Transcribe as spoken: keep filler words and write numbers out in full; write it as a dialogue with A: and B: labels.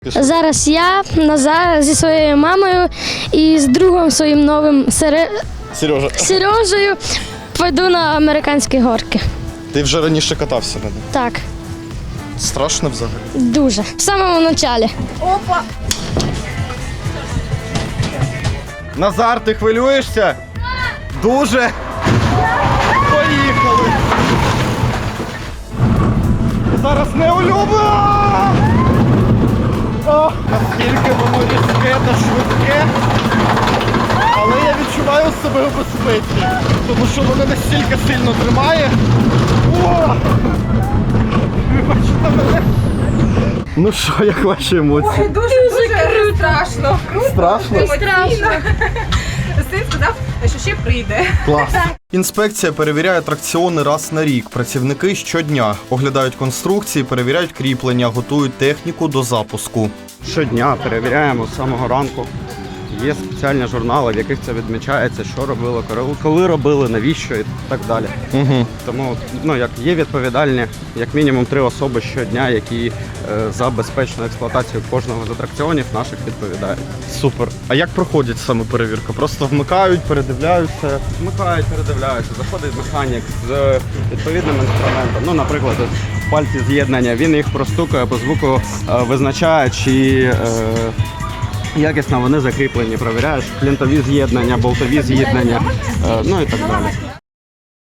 A: Зараз я, Назар, зі своєю мамою і з другом своїм новим Сере...
B: Сережа,
A: Сережею пойду на американські горки.
B: ти вже раніше катався на них?
A: Так,
B: Страшно взагалі?
A: дуже. В самому початку.
C: Опа!
B: Назар, ти хвилюєшся? Дуже? Поїхали! Зараз не улюблено! О, наскільки воно різке та швидке. Але я відчуваю себе у безпеці, тому що воно настільки сильно тримає. О! Вибачте мене. Ну що, як ваші емоції?
C: Ой, дуже, дуже страшно. Круто.
B: Страшно?
C: Страшно. Син сказав, що ще прийде.
B: Клас. Інспекція перевіряє атракціони раз на рік. Працівники щодня оглядають конструкції, перевіряють кріплення, готують техніку до запуску.
D: Щодня перевіряємо з самого ранку. Є спеціальні журнали, в яких це відмічається, що робили, коли робили, навіщо і так далі.
B: Угу.
D: Тому ну, як є відповідальні, як мінімум три особи щодня, які е, за безпечну експлуатацію кожного з атракціонів наших відповідають.
B: Супер. А як проходить саме перевірка? Просто вмикають, передивляються.
D: Вмикають, передивляються, заходить механік з відповідним інструментом. Ну, наприклад, пальці з'єднання, він їх простукає по звуку, е, визначає, чи е, якісно вони закріплені, провіряєш плінтові з'єднання, болтові з'єднання, е, ну і так далі.